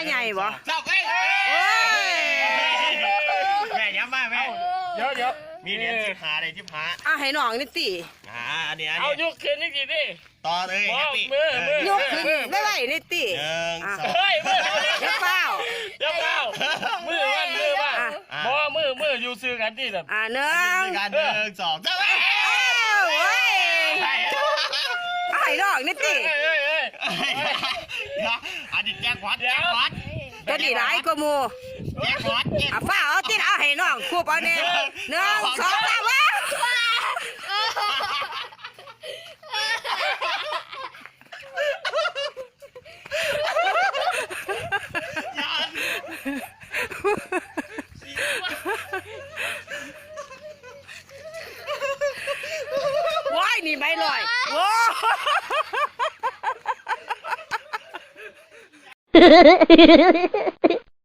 ใหญ่บ่จับเอ้ยแม่ย้ำมาแม่เดี๋ยวมีเหรียญทิพหาเลยทิพหาให้น้องนี่ติอันนี้เอายกขึ้นนี่สิดิต่อเลยมือยกขึ้นได้ไหวนี่ติ 1 2 เฮ้ยมือเดี๋ยวเปล่ามือว่าพอมืออยู่ซื้อกันที่แบบ 1 2จับเว้ยให้น้องนี่ติอันนี้แจ็คพอตก็ดีหลายกว่าหมู่แจ็คพอตฟ้าเอาติเอาให้น้องคูบเอาแน่1 2 3ว้าวว้ายนี่ใบลอยโว้